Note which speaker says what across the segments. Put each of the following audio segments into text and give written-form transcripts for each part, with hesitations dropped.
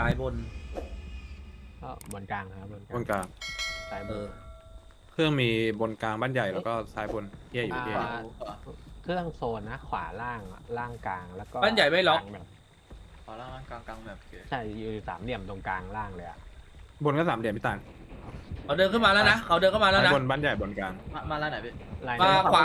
Speaker 1: ซ้ายบน
Speaker 2: ก็บนกลางนะครับ
Speaker 3: บนกลาง
Speaker 2: ซ้ายบ
Speaker 1: เอน อ
Speaker 3: เครื่องมีบนกลางบ้านใหญ่แล้วก็ซ้ายบนเที่ยอยู่เที่ยอยู่
Speaker 2: เครื่องโซนนะ ขวาล่างล่างกลางแล้วก็
Speaker 1: บ้านใหญ่ไม่ล็อก
Speaker 2: ลางแบบ
Speaker 4: ขอล่างกลางแบบโอเค
Speaker 2: ใช่อยู่สามเหลี่ยมตรงกลางล่างเลยอะ
Speaker 3: บนก็สามเหลี่ยมพี่ตาล
Speaker 1: เขาเดินขึ้นมาแล้วนะเขาเดินเข้ามาแล้ว
Speaker 3: ซ้าย
Speaker 1: นะ
Speaker 3: บนบ้านใหญ่บนกลาง
Speaker 4: มาล่างไหนพี่
Speaker 2: ลาย
Speaker 1: มา
Speaker 2: นี้
Speaker 1: ขวา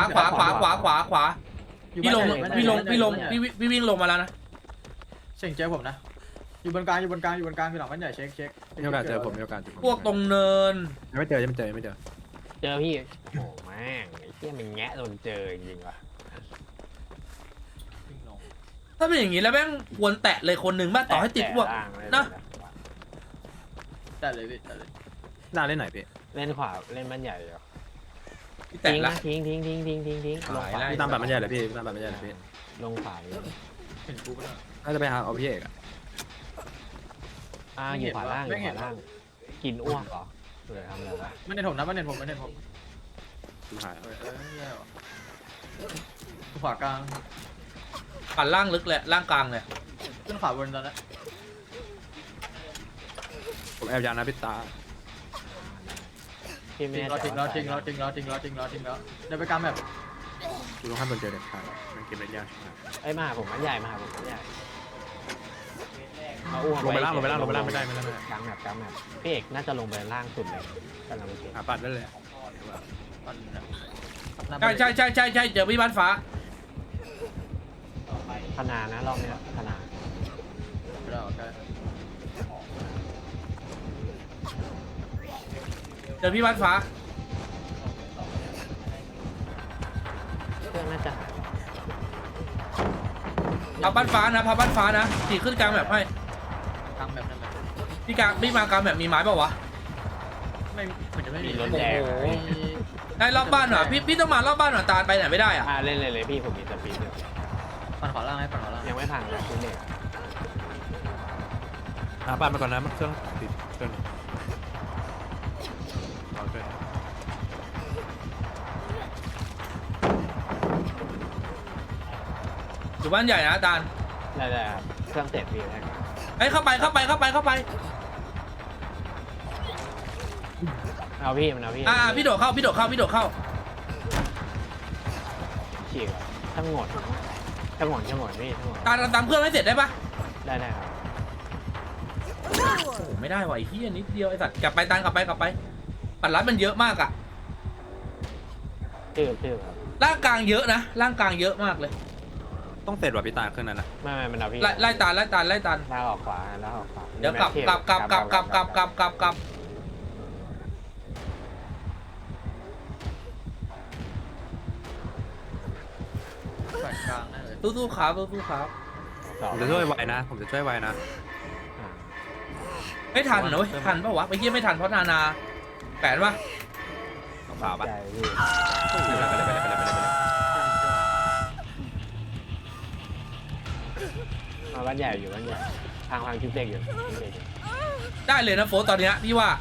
Speaker 1: พี่ลงพี่วิ่งลงมาแล้วนะ
Speaker 4: เช็คเจอผมนะอยู่บนกลางอยู่บนกลางอยู่บนกลางอยู่หลังบ้านใหญ่เช็ค
Speaker 3: มีโอกาสเจอผมมีโอกาสเจอผม
Speaker 1: พวกตรงเนิน
Speaker 3: ไม่เจอไม่เจอไม่เจอ
Speaker 2: เจอพี่โอ้แม่งไอ้เหี้ยมันแงะโดนเจอจริงๆว่ะ
Speaker 4: วิ่งลง
Speaker 1: ถ้าเป็นอย่างนี้แล้วแม่งควรแตะเลยคนหนึ่งบ้างต่อให้ติดพวก
Speaker 2: ล่างเลย
Speaker 1: นะ
Speaker 4: แต่เลยพี่แต่เลย
Speaker 3: หน้าเล่นไหนพี่
Speaker 2: เล่นขวาเล่นบ้านใหญ่เหรอ
Speaker 1: ที่แตะ
Speaker 2: ทิ้ง
Speaker 1: ละ
Speaker 2: นะทิ้งลงขวา
Speaker 1: หายแล้ว
Speaker 3: พี่ตามแบบบ้านใหญ่เลยพี่ตามแบบบ้านใหญ่เลยพี่
Speaker 2: ลงขวาเลย
Speaker 4: เห็นกูปะเนี่ย
Speaker 3: น่าจะไปหาเอาพี่เอกอะ
Speaker 2: อยู่ขวาล่างอยู่ขวาล่างกินอ้วกเหรอหรือทำอะไรวะ
Speaker 4: ไม่เห็นผมนะไม่เห็นผม
Speaker 3: ดูหาย
Speaker 4: แย่ว่ะขวากลาง
Speaker 1: ปั่นล่างลึกเลยล่างกลางเลย
Speaker 4: ขึ้นขวาบนตอนนี้
Speaker 3: ผมแอบยานะพี่ตา
Speaker 2: พี่ไม่
Speaker 4: ทิ้ง
Speaker 2: แน่ใจ
Speaker 4: แล้ว
Speaker 2: ว่า
Speaker 4: ทิ้งแล้วเดินไปกลางแบบ
Speaker 3: ดูต้องให้บนเจอเด็ดขาดมันเก็บได้ยาก
Speaker 2: เอ้ยมาหาผมบ้านใหญ่มาหาผมบ้านใหญ่เอาอ้วก
Speaker 3: ลงไปล่าง
Speaker 2: ว้
Speaker 3: ไม่ได้ไม่ได้
Speaker 2: กลางแบบพี่เอกน่าจะลงไปล่างสุดเลยกำลังเก็บ
Speaker 3: หาปัดได้เลย
Speaker 1: ใช่เจอพี่บ้านฟ้า
Speaker 2: พนานะรอบนี้พนา
Speaker 4: เราโอเค
Speaker 1: เจอพี่บ้านฟ้า
Speaker 2: เครื่องน่าจะหาย
Speaker 1: พับบ้านฟ้านะขี่ขึ้นกลางแบบให้
Speaker 4: กลางแบบนั่นแบบ
Speaker 1: พี่มากลางแบบมีไม้เปล่าวะ
Speaker 4: ไม่เหมือนจะไม่มี
Speaker 2: รถแดง
Speaker 1: ได้รอบบ้านเหรอพี่ต้องมารอบบ้านเหรอตาลไปไหนไม่ได้อะ
Speaker 2: เล่นเลยพี่ผมมีสปีดอยู่
Speaker 4: ปั่นขวาล่างให้ปั่นขวาล่าง
Speaker 2: ยังไม่พังเลยคุณเด็ก
Speaker 3: หาปัดมาก่อนนะมันเครื่องติดเครื่องรอด้วย
Speaker 1: อยู่บ้านใหญ่นะตาล
Speaker 2: ได้ครับเครื่องเสร็จพี่แล้ว
Speaker 1: เฮ้ยเข้าไป
Speaker 2: เอาพี่มันเอาพี่
Speaker 1: พี่โดดเข้า
Speaker 2: ฉีกช่างหมดพี่ช่างหมดพี่ช่างหมด
Speaker 1: ตาลตามเครื่องให้เสร็จได้ปะ
Speaker 2: ได้ครับ
Speaker 1: โอ้โหไม่ได้ว่ะไอ้เหี้ยนิดเดียวไอ้สัตว์กลับไปปัดรัดมันเยอะมากอะ
Speaker 2: ชื่อครับ
Speaker 1: ร่างกลางเยอะนะร่างกลางเยอะมากเลย
Speaker 3: ต้องเสร็จว่ะพี่ตาเครื่องนั้นนะ
Speaker 2: ไม่มันเอาพี่
Speaker 1: ไล่ตาล
Speaker 2: แล้วออกขวา
Speaker 1: เดี๋ยวกลับ
Speaker 4: ปั่นกลางนั่นเลย
Speaker 1: สู้ครับ
Speaker 3: ผมจะช่วยไวนะผมจะช่วยไวนะ
Speaker 1: ไม่ทันนะเว้ยทันปะวะไปเยี่ยไม่ทันเพราะนาแปดปะ
Speaker 3: ขาวปะ
Speaker 2: ใจพี่
Speaker 3: ไปเลย
Speaker 2: มาบ้านใหญ่อยู่บ้านใหญ่ทางชิปเด็กอยู่
Speaker 1: ได้เลยนะโฟตอนเนี้ยพี่ว่า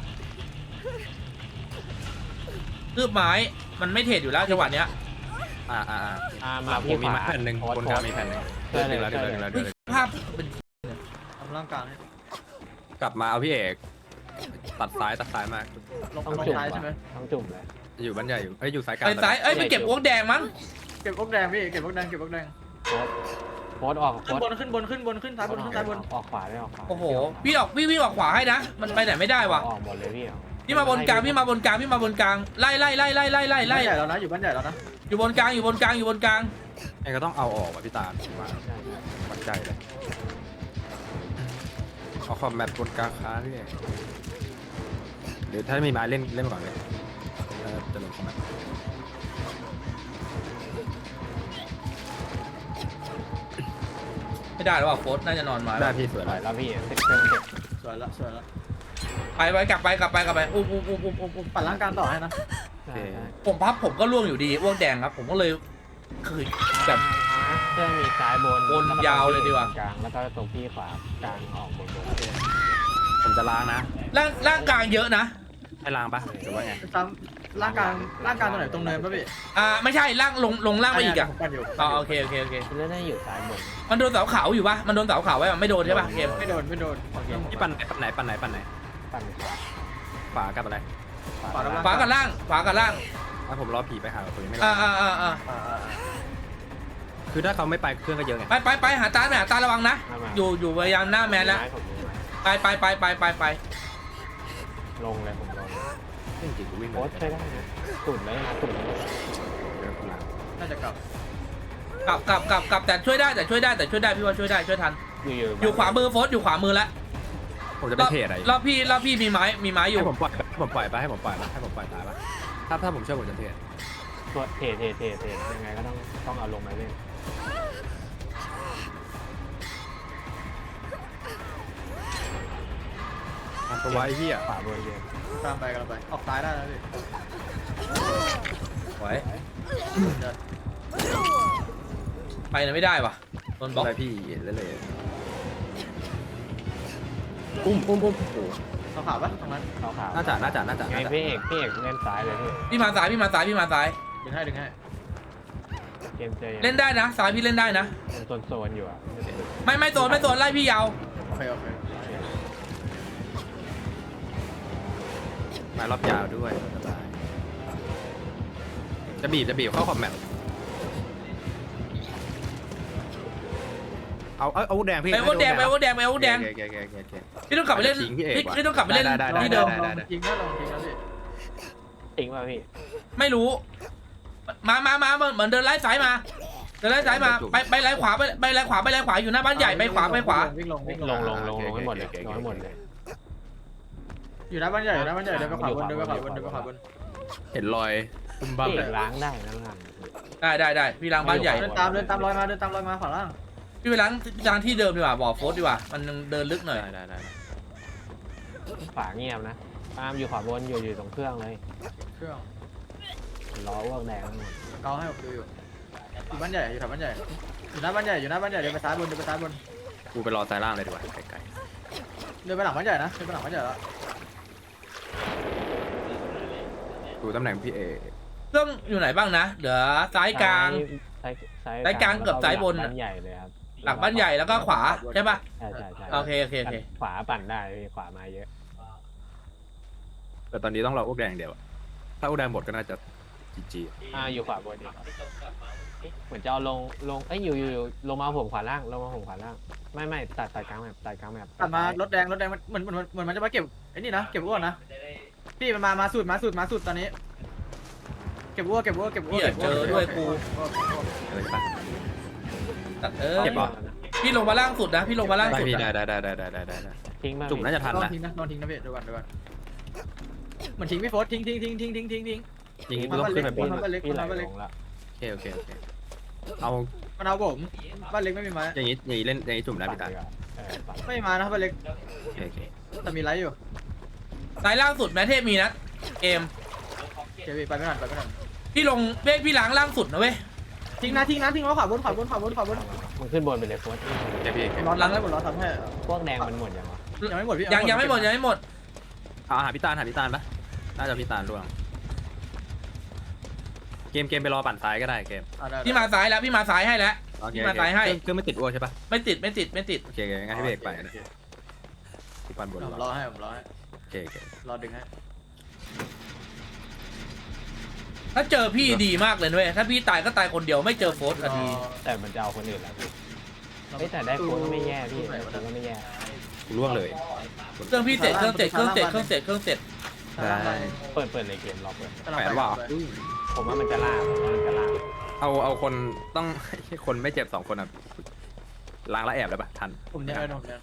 Speaker 1: คืบไม้มันไม่เทรดอยู่แล้วจังหวะเนี้ย
Speaker 2: มา
Speaker 3: ผ
Speaker 2: พี่
Speaker 3: มมีแผ่นหนึ่งบนกลางมีแผ่นหนึ่งเดือดแล้ว
Speaker 1: ภาพเป็น
Speaker 4: ทำร่างกลางให้
Speaker 3: กลับมาเอาพี่เอกตัดซ้ายมาก
Speaker 4: ลง
Speaker 2: ต้องจุ่ม
Speaker 4: ซ้ายใช่ไหม
Speaker 2: ต้องจุ่มเลย
Speaker 3: อยู่บ้านใหญ่อยู่ซ้ายกลาง
Speaker 1: ไปซ้ายไปเก็บอ้วกแดงมั้ง
Speaker 4: เก็บพวกแดงพี่เก็บพวกแดง
Speaker 2: โพสออก
Speaker 4: ขึ้นบนซ้ายบนซ้ายบน
Speaker 2: ออกขวาได้ออกขวา
Speaker 1: โอ้โหพี่วิ่งออกขวาให้นะมันไปไหนไม่ได้ว่ะ
Speaker 2: ออกหมดเลยพี่
Speaker 1: พี่มาบนกลางไล่
Speaker 4: ใหญ่แล้วนะอยู่บ้านใหญ่แล้วนะ
Speaker 1: อยู่บนกลาง
Speaker 3: ไอ้ก็ต้องเอาออกว่ะพี่ตาว่าวัดใจเลยเอาคอมแมปบนกลางค้าพี่เอกเดี๋ยวถ้ามีไม้เล่นก่อนเลยจะลงคอมแมป
Speaker 1: ไม่ได้หรอวะโฟน่าจะนอนมา
Speaker 3: ได้พี่สวย
Speaker 2: ปล่
Speaker 3: เล
Speaker 2: อย
Speaker 3: ย
Speaker 2: แล้วพี่เสร็จเครื่องเสร็จ
Speaker 4: สวยแล้ว
Speaker 1: ไปกลับไปอุ้ม
Speaker 4: ปั่นร่างกลางต่อให้นะ
Speaker 1: ผมก็ล่วงอยู่ดีอ้วกแดงครับผมก็เลยคือแบบ
Speaker 2: เครื่องมีซ้ายบน
Speaker 1: บนยาวเลยดีกว่า
Speaker 2: กลางแล้วก็ตรงพี่ขวากลางออกบน
Speaker 3: ผมจะล้างนะ
Speaker 1: ร่างกลางเยอะนะ
Speaker 3: ให้ล้างปะหรือว่าไง
Speaker 4: ซ้ร่างกลางร่างกลางตรงไหนตรงเนินป่ะพี่
Speaker 1: ไม่ใช่ล่างลงล่างไปอีกอะ
Speaker 4: ผมปั่นอยู่
Speaker 1: อ๋อโอเคโอเคโอเค
Speaker 2: เล่นได้อยู่ซ้ายบน
Speaker 1: มันโดนเสาขาวอยู่ปะมันโดนเสาขาวไว้ปะไม่โดนใช่ปะเกม
Speaker 4: ไม่โดนไม่โดน
Speaker 3: พี่ปั่นไหนปั่นไหนปั่นไหน
Speaker 2: ปั่นขวา
Speaker 3: ขวากับอะไร
Speaker 4: ขวากับ
Speaker 1: ขวากับล่างขวากับล่าง
Speaker 3: ถ้าผมรอผีไปหาผมยังไม่ร
Speaker 1: อ่า
Speaker 3: อ
Speaker 1: อ่า
Speaker 3: คือถ้าเขาไม่ไปเครื่องก็เยอะไง
Speaker 1: ไปหาตาหาตาระวังนะอยู่พยายามหน้าแมนแล้ว
Speaker 2: ผมมีไม้
Speaker 1: ไป
Speaker 2: ลงเลยผมลง
Speaker 3: จริงๆกูวิ่ง
Speaker 2: โค้ชใช้ได้นะตุ่นเลยนะตุ่นเลย
Speaker 3: เดี๋ยวกูล้าง
Speaker 4: น่าจะกลับ
Speaker 1: กลับแต่ช่วยได้พี่ว่าช่วยได้ช่วยทันอยู่ขวามือโฟสอยู่ขวามือแล้ว
Speaker 3: ผมจะไปเทรดอะไร
Speaker 1: รอบพี่มีไม้อยู่
Speaker 3: ให้ผมปล่อยไปให้ผมปล่อยตายปะถ้าผมเชื่อผมจะเทรด
Speaker 2: ตัวเทยังไงก็ต้องเอาลงมาเล่น
Speaker 3: ทำตัวไว้เหี้ย
Speaker 2: ขวาบนเยอะ
Speaker 4: ตามไปกันไปออกซ้ายได้แล้วพี่
Speaker 1: ไหวไปไหนไม่ได้วะโดนบล็อก
Speaker 3: อะไรพี่เลยอุ้มโอ้โห
Speaker 4: เขาขาวปะตรงนั้น
Speaker 2: ขาว
Speaker 3: น่าจะ
Speaker 2: ไงพี่เอกเล่นซ้ายเลยพี่
Speaker 1: พี่มาซ้าย
Speaker 4: ดึงให้
Speaker 2: เกมเจอ
Speaker 1: เล่นได้นะซ้ายพี่เล่นได้นะ
Speaker 2: มันโซนอยู่อ่ะ
Speaker 1: ไม่โซนไล่พี่ยาว
Speaker 4: โอเค
Speaker 3: มารอบยาวด้วยสบายจะบีบเข้าคอมแมทเอาแดงพี่
Speaker 1: ไปโอ้แดง
Speaker 3: โอเค
Speaker 1: พี่ต้องกลับไปเล่น
Speaker 3: ทิ้งพี่เอกว่ะ
Speaker 1: พี่ต้องกลับไปเล่น
Speaker 3: ได้
Speaker 1: ที่เดิม
Speaker 4: ลองทิ้งนะพี่
Speaker 2: ทิ้งป่ะพี่
Speaker 1: ไม่รู้มาเหมือนเดินไล่ซ้ายมาไปไล่ขวาไปไล่ขวาอยู่หน้าบ้านใหญ่ไปขวา
Speaker 4: วิ่งลง
Speaker 2: ลงให้หมดเลยลงให้หมดเลย
Speaker 4: อยู่หน้าบ้านใหญ่เดินไปขวาบน
Speaker 3: เห็นรอยตุ้มบ้า
Speaker 2: พี่
Speaker 3: เล
Speaker 2: เอย กล้างได้นะล่าง
Speaker 1: ได้พี่ล้างบ้านใหญ่
Speaker 4: เดินตามรอยมาขวาล่าง
Speaker 1: พี่ไปล้างที่เดิมดีกว่าบ่อโฟสดีกว่ามันเดินลึกหน่อย
Speaker 3: ได้
Speaker 2: ขวาเงียบนะตามอยู่ขวาบนอยู่ตรงเครื่องเลย
Speaker 4: เครื่อง
Speaker 2: ล้ออ้วกแดงหมด
Speaker 4: เกาให้ผมดูอยู่บ้านใหญ่อยู่แถวบ้านใหญ่อยู่หน้าบ้านใหญ่เดินไปซ้ายบน
Speaker 3: กูไปรอซ้ายล่างเลยดีกว่าไกล
Speaker 4: เดินไปหลังบ้านใหญ่นะเดินไปหลังบ้านใหญ่แล้ว
Speaker 3: ๆดูตำแหน่งพี่เอ
Speaker 1: เครื่องอยู่ไหนบ้างนะเหลือซ้ายกลาง ซ้ายกลางกับซ้ายบน
Speaker 2: บ้านใหญ่เลยครับ
Speaker 1: หลังบ้านใหญ่แล้วก็ขวาใช่ปะ
Speaker 2: ใช่
Speaker 1: โอเค
Speaker 2: ขวาปั่นได้ขวามาเยอะ
Speaker 3: แต่ตอนนี้ต้องรออ้วกแดงเดียวถ้าอ้วกแดงหมดก็น่าจะจี
Speaker 2: อยู่ขวาบนอีกเหมือนจะเอาลงอยู่ลงมาผมขวาล่างไม่ตัดกลางแบบตัด
Speaker 4: มารถแดงมันเหมือนมันจะมาเก็บไอ้นี่นะเก็บอ้วนนะพี่มันมาสุดตอนนี้เก็บอ้วน
Speaker 1: ด้วยกู
Speaker 3: อะไรปะ
Speaker 1: ตัด
Speaker 3: เก็บเหรอ
Speaker 1: พี่ลงมาล่างสุดนะพี่ลงมาล่าง
Speaker 3: ได้
Speaker 1: สุด
Speaker 3: พี่
Speaker 1: นะ
Speaker 3: ได้
Speaker 2: ทิ้งมา
Speaker 3: จุ่มน่าจะทัน
Speaker 4: ลอง
Speaker 3: นะ
Speaker 4: ทิ้งนะพี่ดูก่อนเหมือนทิ้งพี่โฟสทิ้ง
Speaker 3: อย่างนี้กูต้องขึ้นไปบน
Speaker 2: พี่ไหลลงละ
Speaker 3: โอเคเอา
Speaker 4: มันเอาผมบ้านเล็กไม่มีไม้
Speaker 3: อย่างนี้เล่นอย่างนี้จุ่มได้พี่ตา
Speaker 4: ไม่มีไม้นะบ้านเล็ก
Speaker 3: โอเค
Speaker 4: แต่มีไลท์อยู่
Speaker 1: ซ้ายล่างสุดแมทเทพมีนะเกม
Speaker 4: เจวีไปไม่ทัน
Speaker 1: พี่ลงพี่ล้างล่างสุดนะเว้ย
Speaker 4: ทิ้งไว้ขวาบน
Speaker 2: มันขึ้นบนไปเลยโค้ช
Speaker 3: เดี๋ยวพี่
Speaker 4: ร้อนล้างแล้วหมดร้อนทำให้
Speaker 2: พวกแดงมันหมดยังวะ
Speaker 4: ยังไม่หมดพี่
Speaker 1: ยังไม่หมด
Speaker 3: เอาหาพี่ตาลปะน่าจะพี่ตาลร่วงเกมไปรอปั่นซ้ายก็ได้เกม
Speaker 1: พี่มาซ้ายแล้วพี่มาซ้ายให้แล้ว พี่มาซ้ายให้
Speaker 3: เครื่องไม่ติดอ้วกใช่ปะ
Speaker 1: ไม่ติด
Speaker 3: โอเคงั้นให้พี่เอกไปนะกูปั่นบน
Speaker 4: ผมรอให้
Speaker 3: โอเค
Speaker 4: รอดึงให้
Speaker 1: ถ้าเจอพี่ดีมากเลยเว้ยถ้าพี่ตายก็ตายคนเดียวไม่เจอโฟสก็ดี
Speaker 2: แต่มันจะเอาคนอื่นแล้วแต่ได้โค้ชก็ไม่แย่พี่ได้โค้ชก็ไม่แย่
Speaker 3: กูร่วงเลย
Speaker 1: เครื่องพี่เสร็จเครื่องเสร็จ
Speaker 3: ได้
Speaker 2: เปิดเลยเกมรอเปิด
Speaker 3: แปดว่า
Speaker 2: ผมว่ามันจะล่า
Speaker 3: เอาคนต้อง คนไม่เจ็บ2 คนอ่ะล้างแล้วแอบได้ปะทัน
Speaker 4: ผมเนี่ย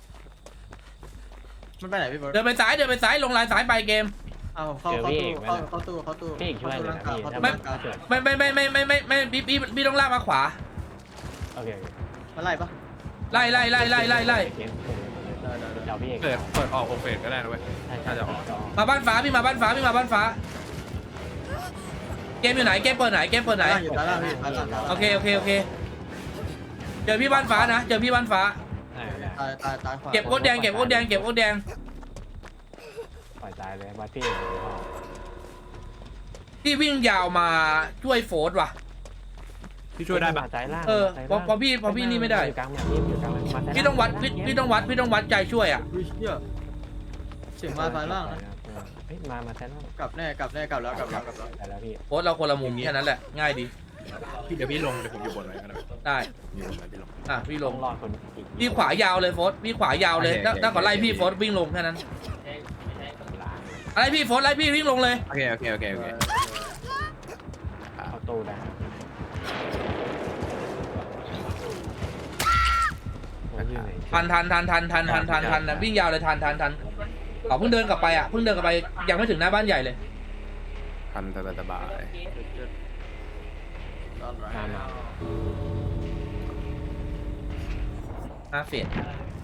Speaker 4: มันไปไหนพี่เบิร์ด
Speaker 1: เดินไปซ้ายลงลายซ้ายไปเกม
Speaker 4: เอาเข้าตู้
Speaker 2: พี่อีกช่วยเลยนะพี่
Speaker 1: ไม่พี่ต้องลากมาขวา
Speaker 2: โอเค
Speaker 4: มาไล่ปะ
Speaker 1: ไล่
Speaker 2: เดี๋ยวพี่เอก
Speaker 3: เปิดออกโอเฟสก็ได้นะเว้ย
Speaker 1: มาบ้านฟ้าพี่มาบ้านฟ้าเกมอยู่ไหนเกมเปิดไหน
Speaker 4: อยู่ด้านล่างพี่
Speaker 1: โอเคเจอพี่บ้านฟ้านะตายขวาเก็บโคตรแดง
Speaker 2: ปล่อยตายเลยบัตพี่
Speaker 1: พี่วิ่งยาวมาช่วยโฟร์ว่ะ
Speaker 3: พี่ช่วยได้ปะ
Speaker 2: มาซ้ายล่าง
Speaker 1: เออ
Speaker 2: มาซ้าย
Speaker 1: พอ
Speaker 2: ล่าง
Speaker 1: พอพี่นี่ไม่ได้
Speaker 2: อยู่กลางแมปพี่อยู่กลางแมปมาซ้าย
Speaker 1: พี่ต้องวัด
Speaker 2: ล่า
Speaker 1: พี่ต้องวัดใจช่วยอ่ะ
Speaker 4: อุ้ยเหี้ยเสียงมาซ้ายล่างนะ
Speaker 2: เฮ้ยมาซ้ายล่าง
Speaker 4: กลับแน่กลับแล้ว
Speaker 2: ไปแล้วพี่
Speaker 1: โฟร์เราคนละมุมแค่นั้นแหละง่ายดี
Speaker 3: พี่เดี๋ยวพี่ลงเดี๋ยวผมอยู่บนไว้ก็ได้
Speaker 1: ได้
Speaker 3: อยู่บนไว้พี่ลง
Speaker 1: อ่ะพี่ล
Speaker 2: ต้อง งรอดคนอีก
Speaker 1: พี่ขวายาวเลยโฟร์พี่ขวายาวเลย
Speaker 3: โอเค
Speaker 1: ถ้าขอไล่พี่
Speaker 3: โอเค
Speaker 1: โฟร์วิ่งลงแค่นั้น
Speaker 2: ล้าง
Speaker 1: อะไรพี่โฟร์ไล่พี่วิ่งลงเลย
Speaker 3: โอเคโอเคโอเคโอเค
Speaker 2: เข้าตู้ได้ผมอยู่ไหน
Speaker 1: ทันนะวิ่งยาวเลยทันเขาเพิ่งเดินกลับไปอ่ะเพิ่งเดินกลับไปยังไม่ถึงหน้าบ้านใหญ่เลย
Speaker 3: ทันสบาย
Speaker 2: มา
Speaker 1: ห้าเฟส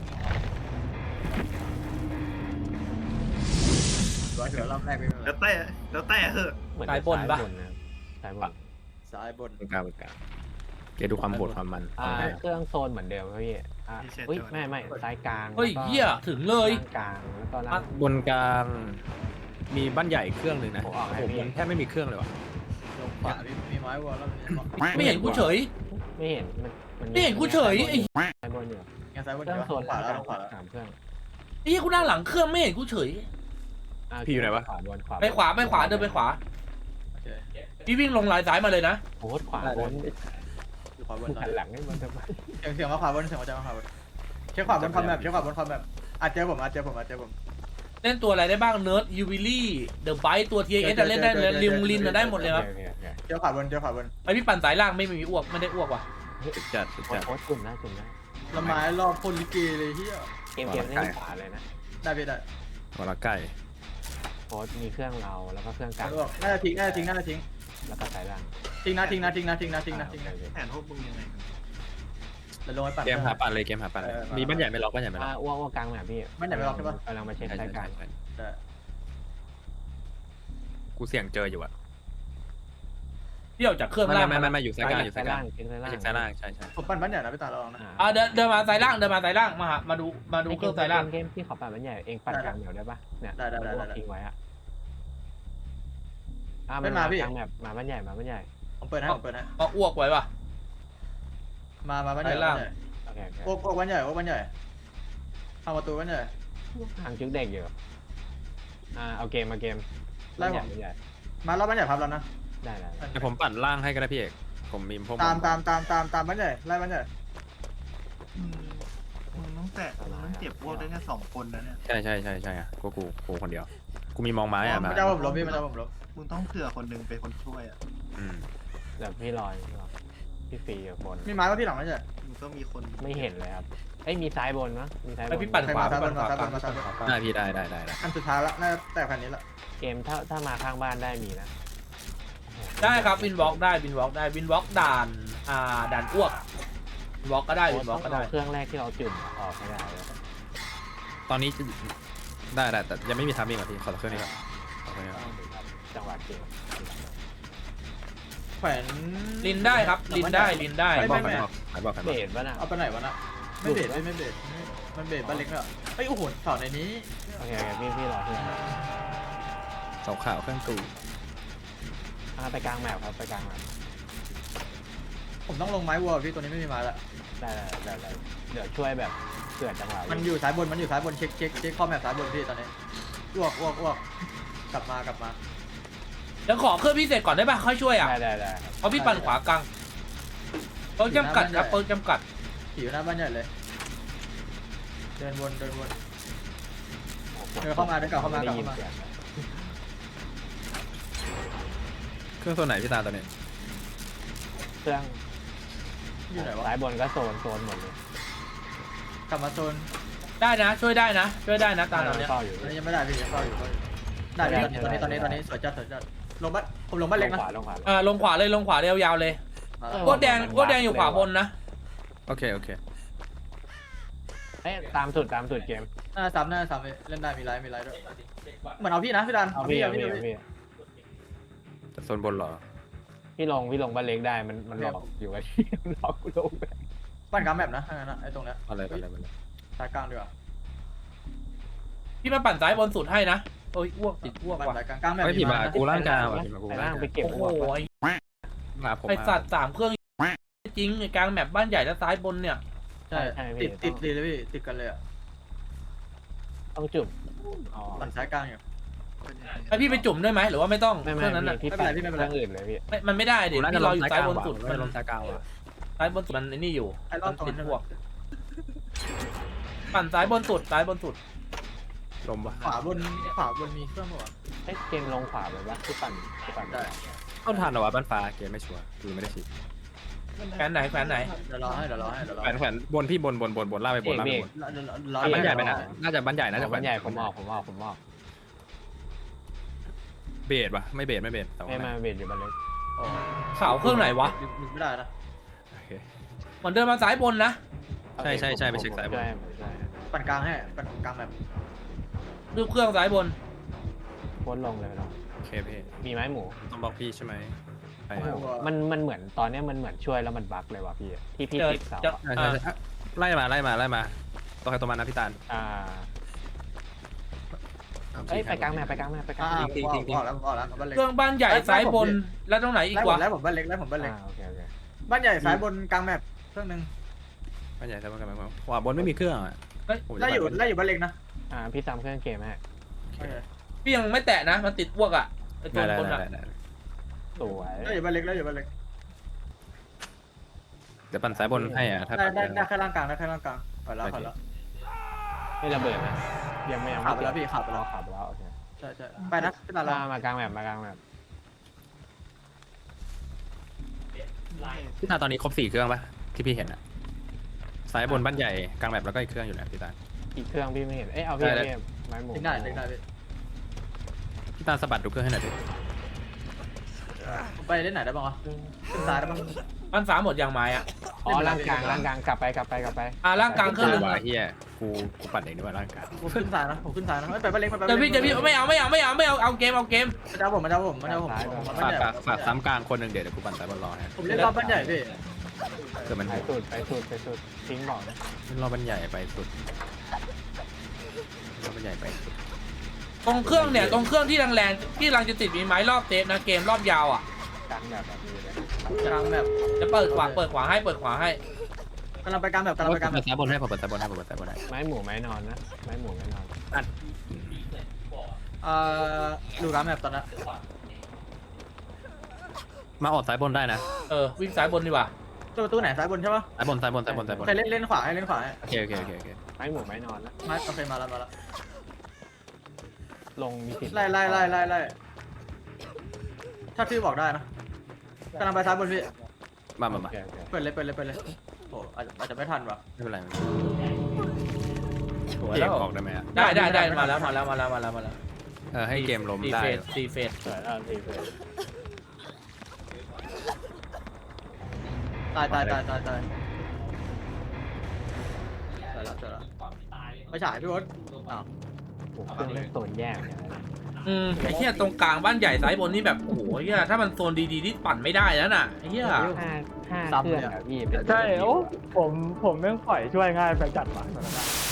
Speaker 4: ร้อยเถื่อรอบแรกไม่เป็นไร
Speaker 5: แล้วแต่เหอะ
Speaker 2: เหมือน
Speaker 1: สายบนปะ
Speaker 2: นะครับสายบน
Speaker 4: ซ้ายบน
Speaker 3: ๆกลางกลางเกดูความโหดความมัน
Speaker 2: เครื่องโซนเหมือนเดิมครับพี่อุ้ยไม่ซ้ายกลาง
Speaker 1: เฮ้ยเหี้ยถึงเลย
Speaker 2: กลางแล้วก็ล่าง
Speaker 3: บนกลางมีบ้านใหญ่เครื่องหนึ่งนะ
Speaker 2: ผมออกให้
Speaker 3: ผม
Speaker 2: พี่
Speaker 3: มันแทบไม่มีเครื่องเลยว่ะ
Speaker 4: ลงขวามีไม้วอลแล้วมี
Speaker 1: ไม่เห็นกูเฉย
Speaker 2: ไม่เห็นมัน
Speaker 1: ไม่เห็นกูเฉยไอ้
Speaker 2: ซ้ายบนอยู่
Speaker 4: งั้นซ้ายบน
Speaker 2: เครื่องโซน
Speaker 4: ขวาแล้วขวาแล้ว
Speaker 2: สามเครื่อง
Speaker 1: ไอ้เหี้ยกูนั่งหลังเครื่องไม่เห็นกูเฉย
Speaker 3: พี่อยู่ไหนวะ
Speaker 2: ขวาบนขวา
Speaker 1: ไปขวาเดินไปขวา
Speaker 4: โอเค
Speaker 1: พี่วิ่งลงลายซ้ายมาเลยนะ
Speaker 2: โคตรขวาบน
Speaker 4: อยู่ขวาบน
Speaker 2: หันหลังให้มันทำไม
Speaker 4: เสียงมาขวาบนเสียงมาจากขวาบนเช็คขวาบนคอมแมปเช็คขวาบนคอมแมปอาจเจอผม
Speaker 1: เล่นตัวอะไรได้บ้างเนิร์ดยูวิลี่เดอะไบต์ตัวทีเอสเล่นได้เลยลิมลินได้หมดเลยครับ
Speaker 2: โอเค
Speaker 4: เจอขวาบน
Speaker 1: ไอพี่ปั่นสายล่างไม่มีอ้วกไม่ได้อ้วกว่ะ
Speaker 3: สุดจัดสุดจัด
Speaker 2: โคตรจุ่มได้จุ่มได้
Speaker 4: ละไม้รอบคนลิเกเลยเฮีย
Speaker 2: เกมเล่นขวาเลยนะ
Speaker 4: ได้ไปได้
Speaker 3: วลาไก่
Speaker 2: โคตรมีเครื่องเราแล้วก็เครื่องกลาง
Speaker 4: น่าจะทิ้ง
Speaker 2: แล้วก็สายล่าง
Speaker 4: ทิ้งนะ
Speaker 5: แผนพวกมึงยังไง
Speaker 4: แล้วลงไปปั่น
Speaker 3: เกมหาปั่นเลยเกมหาปั่นเลยมีบ้านใหญ่ไม่ล็อกบ้านใหญ่ไม่ล็อก
Speaker 2: อ้วกกลางแบบพี่กำลังมาเช็ค
Speaker 3: ใช่
Speaker 2: สายกลาง
Speaker 3: กูเสี่ยงเจออยู่อะ
Speaker 1: พี่ออกจากเครื่อง
Speaker 3: ไม่
Speaker 1: ล่าง
Speaker 3: ไม่อยู่สายกลางอยู่สายกลาง
Speaker 2: เช็คสาย
Speaker 3: ไม่
Speaker 2: ล่าง
Speaker 3: ใช่สายล่างใช่ใช่
Speaker 4: ผมปั่นบ้านใหญ่นะพี่ตาลองนะ
Speaker 1: เดินมาสายล่างมาดูเครื่องสายล่าง
Speaker 2: เกมที่ขอปั่นมันใหญ่เองปั่นกลางเดี๋ยวได้ปะเนี่ยทิ้งไว้อะมันมากลางแบบมาบ้านใหญ่
Speaker 4: ผมเปิดให้
Speaker 1: ก็อ้วกไว้ป่ะ
Speaker 4: มาบ้านใหญ่
Speaker 2: โอเค
Speaker 4: โอ้บ้านใหญ่ทำประตูบ้านใหญ่
Speaker 2: ทางจุกเด็กอยู่เอาเกมมาเกมใหญ่
Speaker 4: มารอบบ้านใหญ่พับแล้วนะ
Speaker 2: ได้
Speaker 3: แต่ผมปั่นล่างให้ก็ได้พี่เอกผมมีพวก
Speaker 4: ตามบ้านใหญ่ไล่บ้านใหญ่
Speaker 5: มึงต้องเก็บพวกได้แค่2 คนนะเนี่ย
Speaker 3: ใช่อ่ะกูคนเดียวกูมีมองไม้อะ
Speaker 4: มันจะผมล้มพี่มันจะผมล้ม
Speaker 5: มึงต้องเผื่อคนหนึงเป็นคนช่วยอ่ะ
Speaker 2: เดี๋ยวพี่ลอยพี่ฟรีอยู่บน
Speaker 4: มีไม้ว่าพี่หลังบ้านใหญ่
Speaker 5: มึงต้องมีคน
Speaker 2: ไม่เห็นเลยครับมีซ้ายบนมั้ยมีซ้ายบ
Speaker 1: ไอน พี่ปั่นขวา
Speaker 4: มา
Speaker 1: ปั่นขวา
Speaker 3: ได้พี่ได้
Speaker 4: อันสุดท้ายละน่าแต่คันนี้ละ
Speaker 2: เกมถ้ามาข้างบ้านได้มีนะ
Speaker 1: ได้ครับวินวอล์กได้วินวอล์กด่านอ้วกวินวอล์กก็ได้วินวอล์กก็ได้
Speaker 2: เครื่องแรกที่เราจุ่มออกไม่ได้เลย
Speaker 3: ตอนนี้ได้แต่ยังไม่มีทามมิ่งอ่ะพี่ขอเครื่องนี้ก่อน
Speaker 2: จังหวะเกม
Speaker 4: แขวน
Speaker 1: ลินได้ครับลินได้
Speaker 3: ขายบอก
Speaker 2: เบสป่ะน่ะ
Speaker 4: เอาไปไหนวะน่ะไม่เบรดมันเบรดบ้านเล็กเนอะเฮ้ยโอ้โหสอนในนี้
Speaker 2: โอเคพี่รอพี่
Speaker 3: เสาขาวเครื่องตู
Speaker 2: ไปกลางแมปครับไปกลางแมป
Speaker 4: ผมต้องลงไม้วัวพี่ตัวนี้ไม่มีไม้ละ
Speaker 2: ได้เดี๋ยวช่วยแบบเผื่อจังหวะ
Speaker 4: มันอยู่ซ้ายบนเช็คข้อแมปซ้ายบนพี่ตอนนี้อ้วกกลับมา
Speaker 1: เดี๋ยวขอเครื่องพิเศษก่อนได้ป่ะค่อยช่วยอ่ะ
Speaker 2: ได้
Speaker 1: เพราะพี่ปั่นขวากลางเปิร์กจำกัดครับเปิร์กจำกัด
Speaker 4: ขี่อยู่หน้าบ้านใหญ่เลยเดินวนเดินเข้ามาเดินกลับเข้ามา
Speaker 3: เครื่องโซนไหนพี่ตาตอนนี้
Speaker 2: เครื่อง
Speaker 4: อยู่ไหนวะ
Speaker 2: ซ้ายบนก็โซนหมดเลย
Speaker 4: กลับมาโซน
Speaker 1: ได้นะช่วยได้นะตามเราเนี้ย
Speaker 2: เฝ้าอยู่
Speaker 4: อันนี้ยังไม่ได้พี่ยังเฝ้าอยู่ได้พี่ตอนนี้สวยจัดลงบ้านผมลงบ้านเล็กนะ
Speaker 2: ลงขวา
Speaker 1: ลงขวาเลยยาวๆเลยโคตรแดงอยู่ขวาบนนะ
Speaker 3: โอเค
Speaker 2: ตามสุดเกม
Speaker 4: หน้าซ้ำเล่นได้มีไลฟ์ด้วยเหมือนเอาพี่นะพี่ดัน
Speaker 2: เอาพี่
Speaker 3: แต่โซนบนเหรอ
Speaker 2: พี่ลงบ้านเล็กได้มันหลอกอยู่กับที่หลอกลง
Speaker 4: ปั้นกลางแมปนะไอ้ตรงเนี้ย
Speaker 3: อะไร
Speaker 4: ซ้ายกลางดีกว่า
Speaker 1: พี่มาปั่นซ้ายบนสุดให้นะโอ้ยอ้วกติดอ้วก
Speaker 4: บัน
Speaker 1: ว่ะ
Speaker 4: ไดกลางแบบ
Speaker 3: ไม่ผิดมากูร่างกายว่ะผิดมากู
Speaker 2: ไป
Speaker 3: ร่า
Speaker 2: ล่าง ง
Speaker 3: กา
Speaker 2: ไป
Speaker 3: ย
Speaker 2: เก็บ
Speaker 1: โอ้โห
Speaker 2: หัว
Speaker 3: มาผม
Speaker 1: ไอสัตว์3เครื่องจริงไอ้กลางแมปบ้านใหญ่และซ้ายบนเนี่ย
Speaker 4: ใช่ติดเลยพี่ติดกันเลยอ่ะ
Speaker 2: ต้องจุ่มอ๋อ
Speaker 4: บันซ้ายกลางอยู่
Speaker 1: ไอพี่ไปจุ่มได้ไหมหรือว่าไม่ต้อง
Speaker 2: ไม่
Speaker 1: เครื่องนั้นอ่ะ
Speaker 2: พี่
Speaker 4: ไม่เป็นไรพี่ไม่เป็นไร
Speaker 2: เครื่องอื่นเลยพี่
Speaker 1: ไม่มันไม่ได้เดี๋ยว
Speaker 3: น่าจะ
Speaker 1: พี่
Speaker 3: ล
Speaker 1: รอง อยู่
Speaker 3: ซ้าย
Speaker 1: ซ้าย
Speaker 3: กลาง
Speaker 1: บน
Speaker 3: ว่ะ
Speaker 1: สุด
Speaker 3: น่าจะลงซ้ายกลางว่ะ
Speaker 1: ซ้ายบนสุดมันไอ้นี่อยู่
Speaker 4: ไอ้รอบตรง
Speaker 1: ติด
Speaker 4: นั้น
Speaker 1: พวกปั่นซ้ายบนสุดซ้ายบนสุด
Speaker 3: ลมวะ
Speaker 4: ขวาบนมีเครื่องหัว
Speaker 2: เอ้ยเกมลงขวาแบบว่าที่ปั่นได้
Speaker 3: เข้าทันเหรอวะบ้านฟ้าเกมไม่ชัวร์คือไม่ได้ฉีด
Speaker 1: แขวนไหนแขวนไหน
Speaker 4: เดี๋ยวรอให้
Speaker 3: แขวนบนพี่บนล่าไปบนล่าไปบน
Speaker 4: รอ
Speaker 3: บ้านใหญ่ไปนะน่าจะบ้านใหญ่น่าจะ
Speaker 2: บ้านใหญ่ผมออก
Speaker 3: เบสปะไม่เบสแต่ว่า
Speaker 2: ไม่มาเวทอยู่บ้านเล็ก
Speaker 1: เสาเครื่องไหนวะ
Speaker 4: ไม่ได้นะ
Speaker 3: โอเค
Speaker 1: เหมือนเดินมาซ้ายบนนะ
Speaker 3: ใช่ไปเช็คสายบน
Speaker 2: ใช่
Speaker 4: ปั่นกลางให้ปั่นกลางแบบ
Speaker 1: รูปเครื่องซ้ายบน
Speaker 2: โพสต์ลงเลยเนาะ
Speaker 3: โอเคพี่
Speaker 2: มีไม้หมู
Speaker 3: ต้องบอกพี่ใช่ไหมไป
Speaker 2: มันเหมือนตอนเนี้ยมันเหมือนช่วยแล้วมันบั๊กเลยว่ะพี่ที่พี่
Speaker 1: เจอ
Speaker 2: ติดเสา
Speaker 1: เจอ
Speaker 3: ใช่ไล่มาตัวใครตัวมันนะพี่ตาล
Speaker 2: เอ้ยไปกลางแม่ไปกลาง
Speaker 4: ออกแล้วบ้านเล็ก
Speaker 1: เครื่องบ้านใหญ่ซ้ายบนแล้วตรงไหนอีกวะ
Speaker 4: แล้วผมบ้านเล็ก
Speaker 2: โอเค
Speaker 4: บ้านใหญ่ซ้ายบนกลางแมปเครื่องนึง
Speaker 3: บ้านใหญ่ใช่ไหมกันขวาบนไม่มีเครื่องอ่ะ
Speaker 4: ไล่อยู่บ้านเล็กนะ
Speaker 2: พี่ซ้ำเครื่องเกมให้
Speaker 1: พี่ยังไม่แตะนะมันติดอ้วกอ่ะไอตัว
Speaker 3: ได้
Speaker 1: คนอ่ะ
Speaker 2: สวย
Speaker 4: ไล่อยู่บ้านเล็ก
Speaker 3: เดี๋ยวปั่นสายบนให้อ่ะถ้า
Speaker 4: ได้แค่ร่างกลางผ่านแล้ว
Speaker 2: ไม่ระเบิดนะยังไม่
Speaker 4: ขับไปแล้วพี่ขับไปแล้ว
Speaker 2: ขับแล้วโอเค
Speaker 4: ใช่ไปนะพี่ตาล
Speaker 2: มากลางแมป
Speaker 3: พี่ตาตอนนี้ครบ4เครื่องปะที่พี่เห็นอ่ะสายบนบ้านใหญ่กลางแบบแล้วก็อีกเครื่องอยู่นะพี่ตา
Speaker 2: อีกเครื่องพี่ไม่เห็นเอ้ยเอาพี่ไม้หมู
Speaker 4: ทิ้งได้พี่
Speaker 3: พี่ตาสะบัดดูเครื่องให้หน่อยดิ
Speaker 4: ไปเล่นไหนได้บ้างวะขึ้นซ้ายได้บ้าง
Speaker 1: บ้านฟ้าหมดยางไม้อ่ะ
Speaker 2: อ๋อร่างกลางกลับไป
Speaker 1: ร่างกลางเครื่องนึง
Speaker 3: ว่าเฮียกูปั่นเองดีกว่าร่างกาย
Speaker 4: ผมขึ้นซ้ายนะไม่ไปบ้านเล็ก
Speaker 1: เดี๋ยวพี่ไม่เอาเอาเกม
Speaker 4: มาเจ้าผม
Speaker 3: ฝากซ้ำกลางคนหนึ่งเดี๋ยวกูปั่นสายบนรอฮะ
Speaker 4: ผมเล่นรอบบ้านใหญ่พี่
Speaker 3: เกิดมัน
Speaker 2: ไปสุดทิ้งบอกนะ
Speaker 3: รอบ้านใหญ่ไปสุดรอบ้านใหญ่ไปสุด
Speaker 1: ตรงเครื่องเนี่ยตรงเครื่องที่แรงๆที่กำลังจะติดมีไม้รอบเซฟนะเกมรอบยาวอ่ะ
Speaker 2: กลางแบบนี้เลย
Speaker 4: กลางแบบ
Speaker 1: จะเปิดขวาให้
Speaker 4: กำลังไปกลางแบบ
Speaker 3: เปิดสายบนให้ผมเปิดสายบนให้
Speaker 2: ไม้หมูไม้นอนนะไม้หมูไม้นอน
Speaker 4: ดูกลางแบบตอนนั้น
Speaker 3: มาออกสายบนได้นะ
Speaker 1: วิ่งซ้ายบนดีกว่า
Speaker 4: ประตูไหนซ้ายบนใช่ปะ
Speaker 3: สายบน
Speaker 4: ใครเล่นขวาให้
Speaker 3: โอเค
Speaker 2: ไม้หมูไม้นอนนะ
Speaker 4: มาโอเคมาแล้ว
Speaker 2: ลงมีสิทธิ์
Speaker 4: ไล่ถ้าพี่บอกได้นะกำลังไปซ้ายบนพี่
Speaker 3: มา
Speaker 4: เปิดเลยโอ้อาจจะไม่ทันว่ะ
Speaker 3: ไม่เป็นไร
Speaker 1: สวย
Speaker 3: เก
Speaker 1: แล้
Speaker 3: ม
Speaker 1: ว
Speaker 3: ออกได้ไหมอ่ะ
Speaker 1: ได้มาแล้ว
Speaker 3: ให้เกมล้มได้
Speaker 1: ตีเฟส
Speaker 2: สวยแล้วทีเลย
Speaker 4: ตายแล้วไปฉายพี่วศอ้าว
Speaker 2: เครื่องเล่นโซนแยกเนี่ย
Speaker 1: ไอ้เหี้ยตรงกลางบ้านใหญ่ซ้ายบนนี่แบบโอ้โหเหี้ยถ้ามันโซนดีๆที่ปั่นไม่ได้แล้วน่ะไอ้เหี้ย
Speaker 2: ห้าเครื่องอะพี่
Speaker 6: ใช่โอ้ผมแม่งปล่อยช่วยง่ายไปจัดหวานตอนนั้นอะ